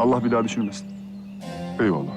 Allah bir daha düşürmesin. Eyvallah.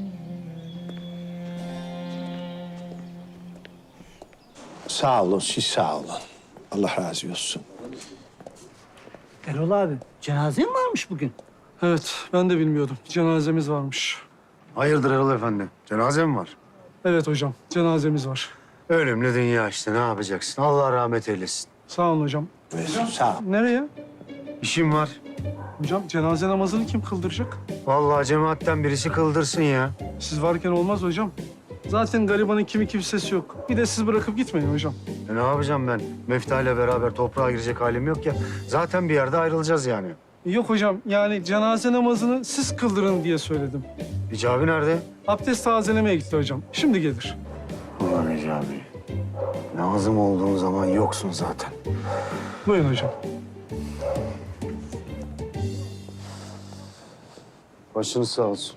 Sağ olun, siz sağ olun. Allah razı olsun. Erol abi, cenaze mi varmış bugün? Evet, ben de bilmiyordum. Cenazemiz varmış. Hayırdır Erol Efendi? Cenaze mi var? Evet hocam, cenazemiz var. Ölümlü dünya işte, ne yapacaksın? Allah rahmet eylesin. Sağ olun hocam. Sağ ol. Nereye? İşim var. Hocam cenaze namazını kim kıldıracak? Vallahi cemaatten birisi kıldırsın ya. Siz varken olmaz hocam. Zaten garibanın kimi kimsesi yok. Bir de siz bırakıp gitmeyin hocam. Ne yapacağım ben? Mefta ile beraber toprağa girecek halim yok ya. Zaten bir yerde ayrılacağız yani. Yok hocam, yani cenaze namazını siz kıldırın diye söyledim. Hicabi nerede? Abdest tazelemeye gitti hocam. Şimdi gelir. Ulan Hicabi. Lazım olduğun zaman yoksun zaten. Buyurun hocam. Başınız sağ olsun.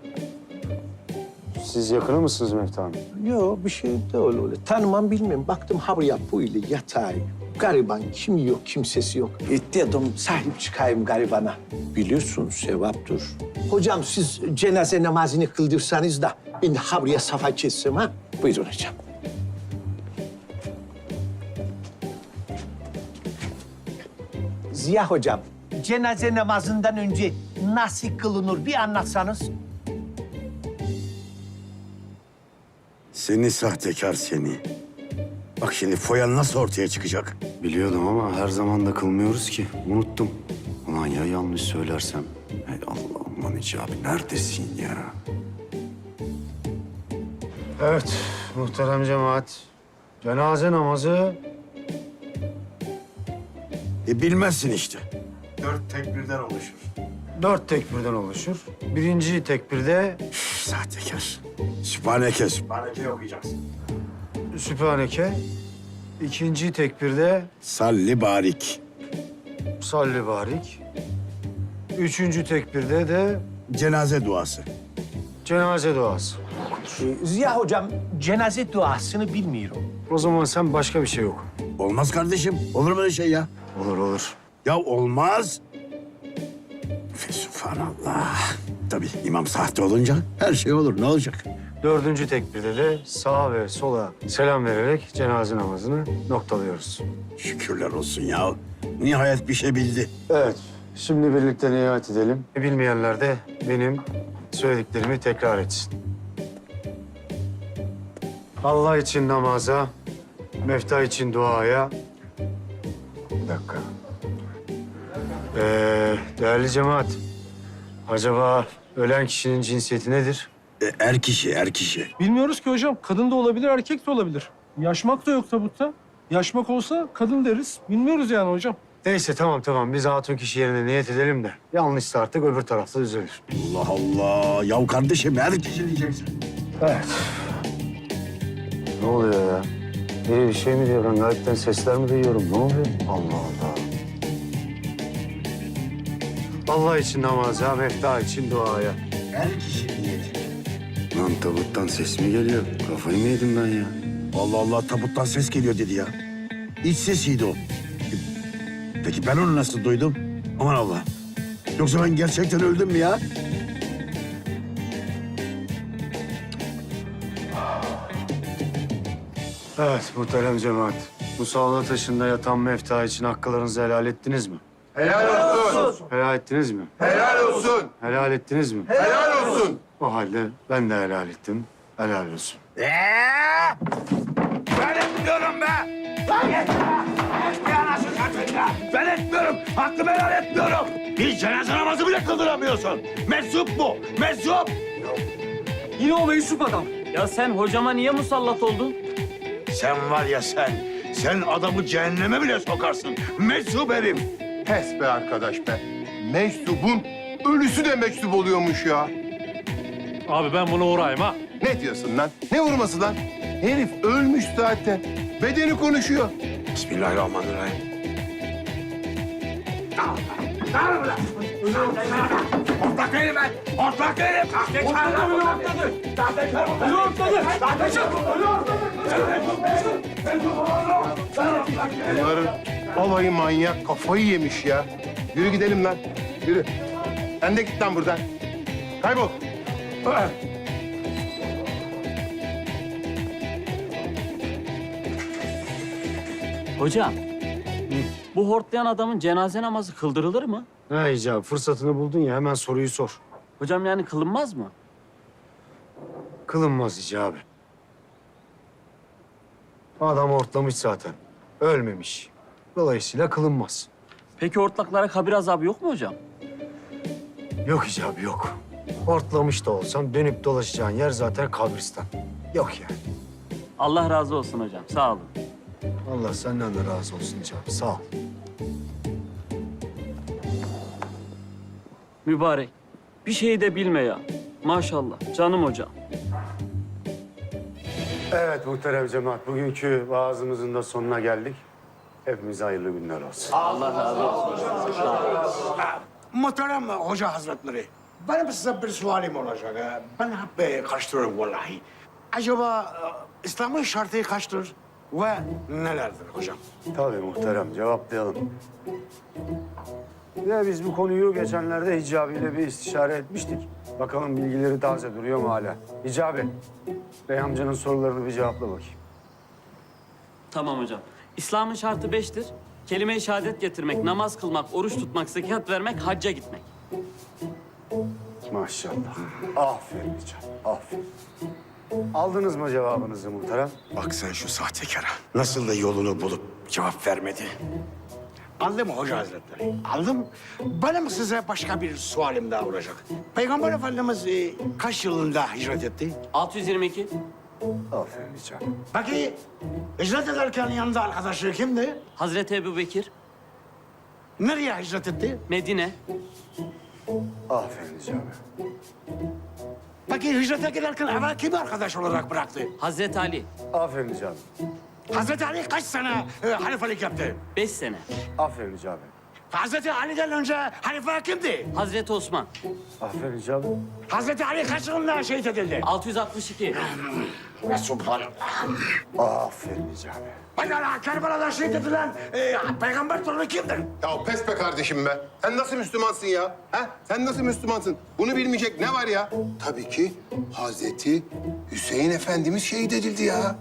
Siz yakını mısınız Mefta Hanım? Yok, bir şey de öyle. Tanımam bilmem. Baktım ha buraya böyle yatağı. Gariban kim yok, kimsesi yok. Dedim sahip çıkayım garibana. Biliyorsun sevaptır. Hocam siz cenaze namazını kıldırsanız da ben de ha buraya safa kessem ha. Buyurun hocam. Ziya hocam, cenaze namazından önce nasıl kılınır bir anlatsanız. Seni sahtekar seni. Bak şimdi foyan nasıl ortaya çıkacak? Biliyordum ama her zaman da kılmıyoruz ki. Unuttum. Ulan ya yanlış söylersem. Hey Allah'ım lan Hicabi neredesin ya? Evet, muhterem cemaat. Cenaze namazı Bilmezsin işte. 4 tekbirden oluşur. 4 tekbirden oluşur. Birinci tekbirde Sahtekar. Sübhaneke, sübhaneke okuyacaksın. Sübhaneke. İkinci tekbirde Salli barik. salli barik. Üçüncü tekbirde de Cenaze duası. cenaze duası. Ziya hocam, cenaze duasını bilmiyorum. O zaman sen başka bir şey yok. Olmaz kardeşim. Olur mu öyle şey ya? Olur olur. Ya olmaz. Sübhanallah. Tabii imam sahte olunca her şey olur. Ne olacak? Dördüncü tekbirde de sağa ve sola selam vererek cenaze namazını noktalıyoruz. Şükürler olsun ya. Nihayet bir şey bildi. Evet, şimdi birlikte niyet edelim. Bilmeyenler de benim söylediklerimi tekrar etsin. Allah için namaza, mefta için duaya. Bir dakika. Değerli cemaat, acaba ölen kişinin cinsiyeti nedir? Er kişi, er kişi. Bilmiyoruz ki hocam. Kadın da olabilir, erkek de olabilir. Yaşmak da yok tabutta. Yaşmak olsa kadın deriz. Bilmiyoruz yani hocam. Neyse tamam. Biz hatun kişi yerine niyet edelim de. Yanlışsa artık öbür tarafta düzelir. Allah Allah. Ya kardeşim er kişi diyeceksin. Evet. Ne oluyor ya? Biri bir şey mi diyor? Ben gayetten sesler mi duyuyorum? Ne oluyor? Allah Allah. Allah için namaza, mefta için duaya. Er kişi niyeti. Lan tabuttan ses mi geliyor? Kafayı mı yedim ben ya? Allah Allah tabuttan ses geliyor dedi ya. İç sesiydi o. Peki ben onu nasıl duydum? Aman Allah. Yoksa ben gerçekten öldüm mü ya? Evet muhterem cemaat. Musalla taşında yatan mefta için hakkılarınızı helal ettiniz mi? Helal olsun. Helal ettiniz mi? Helal olsun. Helal ettiniz mi? Helal olsun. O halde ben de helal ettim. Helal olsun. Ben etmiyorum be! Ben etmiyorum. Hakkımı helal etmiyorum. Bir cenaze namazı bile kıldıramıyorsun. Meczup bu. Meczup. Yine o meczup adam. Ya sen hocama niye musallat oldun? Sen var ya sen. Sen adamı cehenneme bile sokarsın. Meczup herif. Pes be arkadaş be. Meczubun ölüsü de meczup oluyormuş ya. Abi ben buna uğrayayım ha. Ne diyorsun lan? Ne vurması lan? Herif ölmüş zaten. Bedeni konuşuyor. Bismillahirrahmanirrahim. Ortak herif ben. Ortak herif. Bunların alayı manyak kafayı yemiş ya. Yürü gidelim lan. Yürü. Sen de git lan buradan. Kaybol. Hocam, bu hortlayan adamın cenaze namazı kıldırılır mı? Ha icabı fırsatını buldun ya hemen soruyu sor. Hocam yani kılınmaz mı? Kılınmaz icabı. Adam hortlamış zaten. Ölmemiş. Dolayısıyla kılınmaz. Peki hortlaklara kabir azabı yok mu hocam? Yok icabı yok. Hortlamış da olsan dönüp dolaşacağın yer zaten kabristan. Yok yani. Allah razı olsun hocam, sağ olun. Allah senden de razı olsun icabı. Sağ ol. Mübarek, bir şey de bilme ya. Maşallah, canım hocam. Evet muhterem cemaat. Bugünkü vaazımızın da sonuna geldik. Hepimize hayırlı günler olsun. Muhterem Hoca Hazretleri, benim size bir sualim olacak. Ben hep karıştırıyorum vallahi. Acaba İslam'ın şartı kaçtır ve nelerdir hocam? Tabii muhterem cevaplayalım. Ya biz bu konuyu geçenlerde Hicabi ile bir istişare etmiştik. Bakalım bilgileri taze duruyor mu hala? Hicabi, Bey amcanın sorularını bir cevapla bakayım. Tamam hocam. İslam'ın şartı 5'tir. Kelime-i şehadet getirmek, namaz kılmak, oruç tutmak, zekat vermek, hacca gitmek. Maşallah. Aferin Hicabi, aferin. Aldınız mı cevabınızı muhterem? Bak sen şu sahtekara. Nasıl da yolunu bulup cevap vermedi. Aldım Hoca Hazretleri, aldım. Benim size başka bir sualim daha olacak. Peygamber Efendimiz kaç yılında hicret etti? 622. Aferin Hicabi. Peki hicret ederken yanında arkadaşı kimdi? Hazreti Ebubekir, Nereye hicret etti? Medine. Aferin Hicabi. Peki hicrete giderken evvel kimi arkadaş olarak bıraktı? Hazreti Ali, Aferin Hicabi. Hazreti Ali kaç sene halifelik yaptı? 5 sene. Aferin Hicabi. Hazreti Ali'den önce halife kimdi? Hazreti Osman, Aferin Hicabi. Hazreti Ali kaç yılında şehit edildi? 662. Ve subhanallah. Aferin Hicabi. Pekala Kerbela'da şehit edilen peygamber torunu kimdir? Ya pes be kardeşim be. Sen nasıl Müslümansın ya? Ha? Sen nasıl Müslümansın? Bunu bilmeyecek ne var ya? Tabii ki Hazreti Hüseyin Efendimiz şehit edildi ya.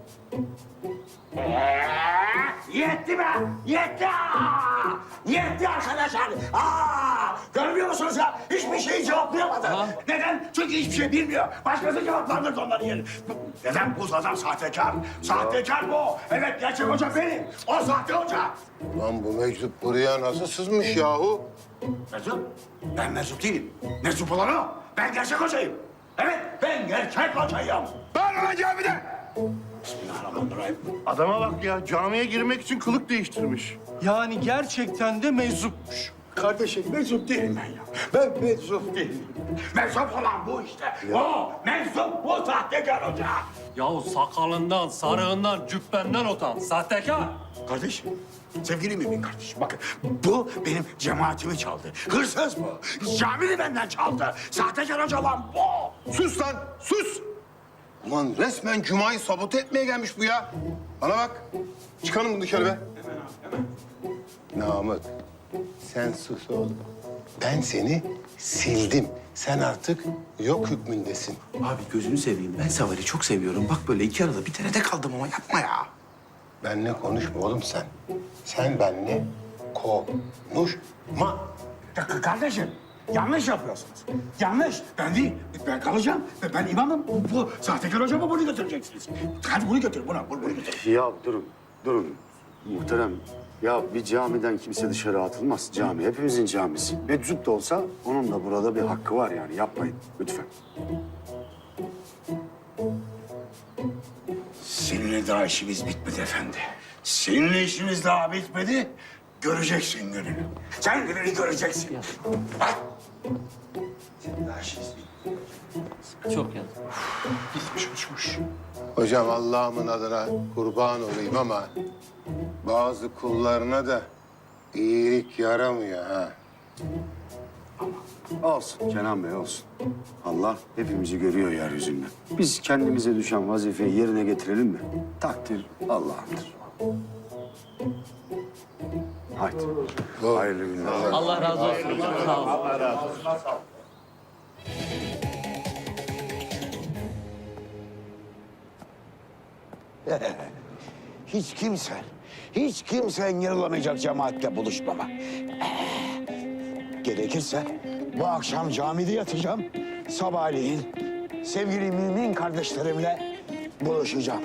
Yetti be! Yetti! Yetti arkadaşlar! Görmüyor musunuz ya? Hiçbir şeyi cevaplayamadı. Neden? Çünkü hiçbir şey bilmiyor. Başkası cevaplandırdı onların yerine. Neden? Bu adam sahtekar. Sahtekar bu. Evet, gerçek hoca benim. O sahte hoca. Lan bu meczup buraya nasıl sızmış yahu? Meczup? Ben meczup değilim. Meczup olan o. Ben gerçek hocayım. Evet, ben gerçek hocayım. Ben olacağım bir de. Bismillahirrahmanirrahim. Adama bak ya, camiye girmek için kılık değiştirmiş. Yani gerçekten de meczupmuş. Kardeşim meczup değilim ben ya. Ben meczup değilim. Meczup olan bu işte. O meczup bu sahtekar hoca. Yahu sakalından, sarığından, cübbenden utan. Sahtekar. Kardeşim, sevgili mümin kardeşim bakın bu benim cemaatimi çaldı. Hırsız bu. Camini benden çaldı. Sahtekar hoca olan bu. Sus lan, sus! Ulan resmen Cuma'yı sabote etmeye gelmiş bu ya. Bana bak, çıkalım bunu dışarı be. Namık, sen sus oğlum. Ben seni sildim. Sen artık yok hükmündesin. Abi gözünü seveyim. Ben Saval'i çok seviyorum. Bak böyle iki arada bir terede kaldım ama yapma ya. Benle konuşma oğlum sen. Sen benle konuşma. Kardeşim yanlış yapıyorsunuz. Yanlış. Ben değil. Ben kalacağım. Ben imamım. Bu sahtekar hocama bunu götüreceksiniz. Hadi bunu götür. Bunu götür. Ya durun. Muhterem, ya bir camiden kimse dışarı atılmaz. Cami hepimizin camisi. Meczup da olsa onun da burada bir hakkı var yani. Yapmayın lütfen. Seninle daha işimiz bitmedi efendi. Seninle işimiz daha bitmedi. Göreceksin gününü. Sen gününü göreceksin. Bak. Senin daha işimiz bitmedi. Çok yazık. Bitmiş uçmuş. Hocam Allah'ımın adına kurban olayım ama bazı kullarına da iyilik yaramıyor ha. Olsun Kenan Bey olsun. Allah hepimizi görüyor yeryüzünde. Biz kendimize düşen vazifeyi yerine getirelim mi? Takdir Allah'ındır. Haydi. Hayırlı günler. Allah razı olsun hocam. Sağ olun. Hiç kimse engel olamayacak cemaatle buluşmama. Gerekirse bu akşam camide yatacağım. Sabahleyin sevgili mümin kardeşlerimle buluşacağım.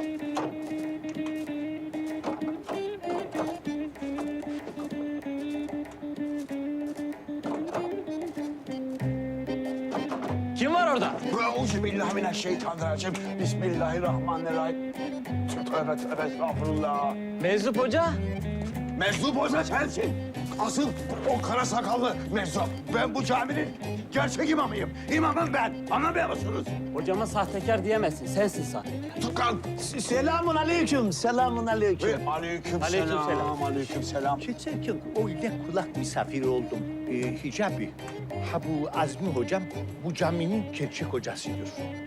Kim var orada? Euzubillahimineşşeytanirracim. Bismillahirrahmanirrahim. Tövbe tövbe estağfurullah. Meczup Hoca. Meczup Hoca sensin. Asıl o kara sakallı meczup. Ben bu caminin gerçek imamıyım. İmamım ben. Anlamıyor musunuz? Hocama sahtekar diyemezsin. Sensin sahtekar. Tukan. Selamun aleyküm, selamun aleyküm. Aleyküm Aleykümselam. selam. Aleyküm selam. Geçerken öyle kulak misafiri oldum. Hicabi, ha bu Azmi hocam bu caminin gerçek hocasıdır.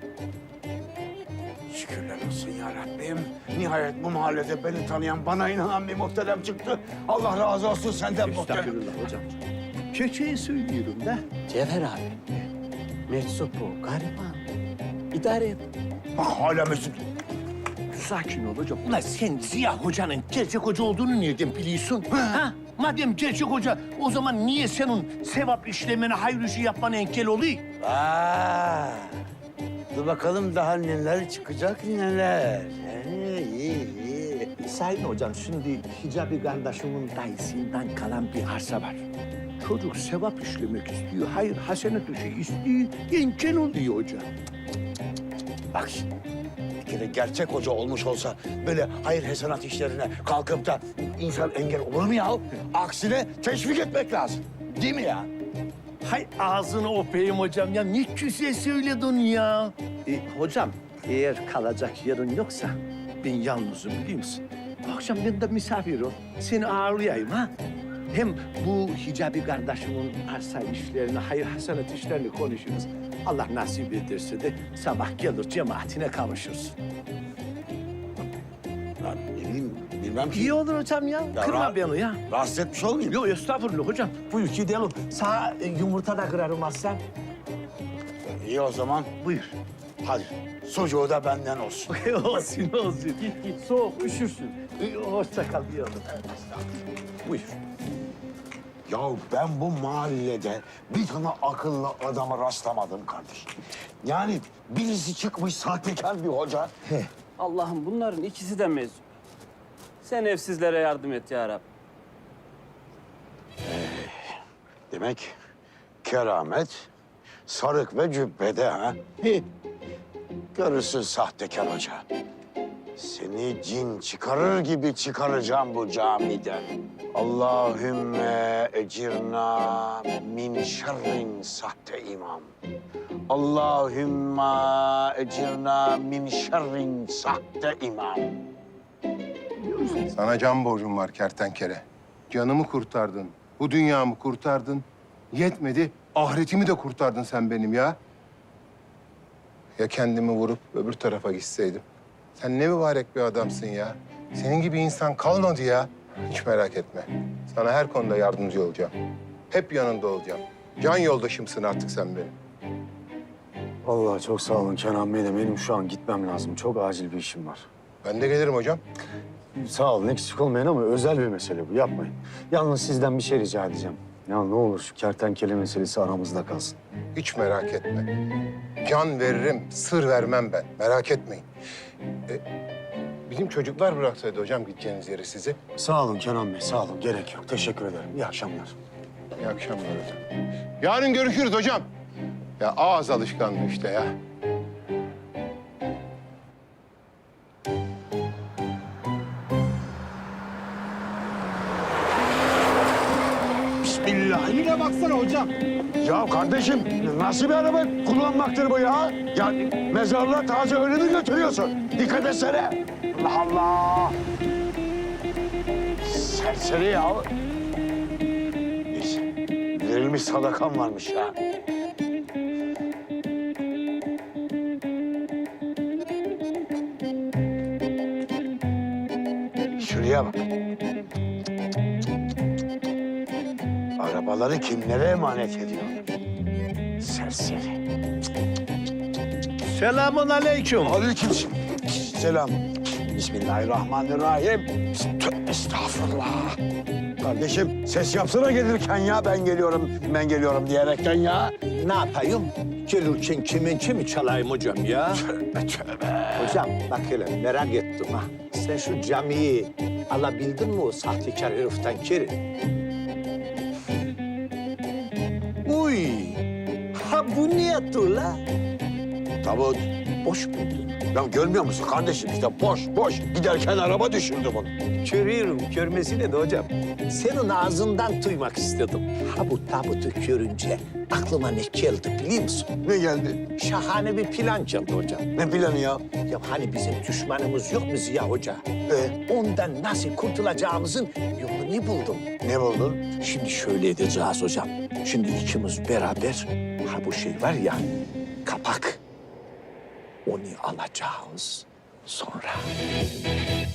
Şükürler olsun ya Rabbim. Nihayet bu mahallede beni tanıyan, bana inanan bir muhterem çıktı. Allah razı olsun senden muhterem. Estağfurullah hocam. Gerçeği söylüyorum da. Cevher abi. Meczup o. Gariban. İdare et. Bak hala mesut. Sakin ol hocam. Ulan sen Ziya Hoca'nın gerçek hoca olduğunu nereden biliyorsun? Ha? Madem gerçek hoca, o zaman niye senin sevap işlemene, hayır işi yapmana engel oluyor? Dur bakalım daha neler çıkacak neler. İyi. Sayın hocam, şimdi Hicabi kardeşimin dayısından kalan bir arsa var. Çocuk sevap işlemek istiyor, hayır hasenet işi istiyor, engel oluyor hocam. Bak şimdi, bir kere gerçek hoca olmuş olsa böyle hayır hasenat işlerine kalkıp da insan engel olur mu ya? Aksine teşvik etmek lazım. Değil mi ya? Hay ağzını öpeyim hocam ya, ne güzel söyledin ya. Hocam, eğer kalacak yerin yoksa ben yalnızım biliyor musun? Akşam ben de misafir ol, seni ağırlayayım ha. Hem bu Hicabi kardeşimin arsa işlerini, hayır hasenat işlerini konuşuruz. Allah nasip ederse de sabah gelir cemaatine kavuşursun. Ya ne bileyim, bilmem ki. İyi olur hocam ya, kırma rahat- beni ya. Rahatsız etmiş olmayayım. Yok estağfurullah hocam. Buyur gidelim. Sana yumurta da kırarım aslan. İyi o zaman. Buyur. Hadi sucuğu da benden olsun. olsun. Git soğuk üşürsün. Hoşça kal bir yolda. Buyur. Ya ben bu mahallede bir tane akıllı adama rastlamadım kardeşim. Yani birisi çıkmış sahtekar bir hoca. Allah'ım bunların ikisi de meczup. Sen evsizlere yardım et ya Rabbi. Demek keramet sarık ve cübbede ha? Görürsün sahtekar hoca. Seni cin çıkarır gibi çıkaracağım bu camiden. Allahümme ecirna min şerrin sahte imam. Allahümme ecirna min şerrin sahte imam. Sana can borcum var kertenkele. Canımı kurtardın, bu dünyamı kurtardın. Yetmedi, ahiretimi de kurtardın sen benim ya. Ya kendimi vurup öbür tarafa gitseydim? Sen ne mübarek bir adamsın ya. Senin gibi insan kalmadı ya. Hiç merak etme. Sana her konuda yardımcı olacağım. Hep yanında olacağım. Can yoldaşımsın artık sen benim. Vallahi çok sağ olun Kenan Bey de benim şu an gitmem lazım. Çok acil bir işim var. Ben de gelirim hocam. Sağ olun eksik olmayın ama özel bir mesele bu yapmayın. Yalnız sizden bir şey rica edeceğim. Ya ne olur şu kertenkele meselesi aramızda kalsın. Hiç merak etme. Can veririm, sır vermem ben. Merak etmeyin. Bizim çocuklar bıraksaydı hocam gideceğiniz yeri sizi. Sağ olun Kenan Bey sağ olun gerek yok. Teşekkür ederim. İyi akşamlar. İyi akşamlar hocam. Yarın görüşürüz hocam. Ya ağız alışkanlığı işte ya. Eline baksana hocam. Ya kardeşim nasıl bir araba kullanmaktır bu ya? Ya mezarlığa taze ölü mü götürüyorsun? Dikkat etsene. Allah Allah. Serseri ya. Neyse. Verilmiş sadakam varmış ya. Şuraya bak. arabaları kimlere emanet ediyor? Serseri. Selamun aleyküm. Selam. Bismillahirrahmanirrahim. Tövbe estağfurullah. Kardeşim ses yapsana gelirken ya ben geliyorum diyerekten ya. Ne yapayım? Gelirken kemençe mi çalayım hocam ya? Tövbe tövbe. Hocam bak hele merak ettim ha. Sen şu camiyi alabildin mi o sahtekar heriften Kerim? Uy! Ha bu niyetli la? Tabut. Boş muydu? Ya görmüyor musun kardeşim işte boş. Giderken araba düşürdü bunu. Görüyorum, görmesine de hocam. Senin ağzından duymak istedim. Ha bu tabutu görünce aklıma ne geldi biliyor musun? Ne geldi? Şahane bir plan geldi hocam. Ne planı ya? Ya hani bizim düşmanımız yok mu Ziya Hoca? Ondan nasıl kurtulacağımızın yolunu buldum. Ne buldun? Şimdi şöyle edeceğiz hocam. Şimdi ikimiz beraber ha bu şey var ya kapak. Onu alacağız. Sonra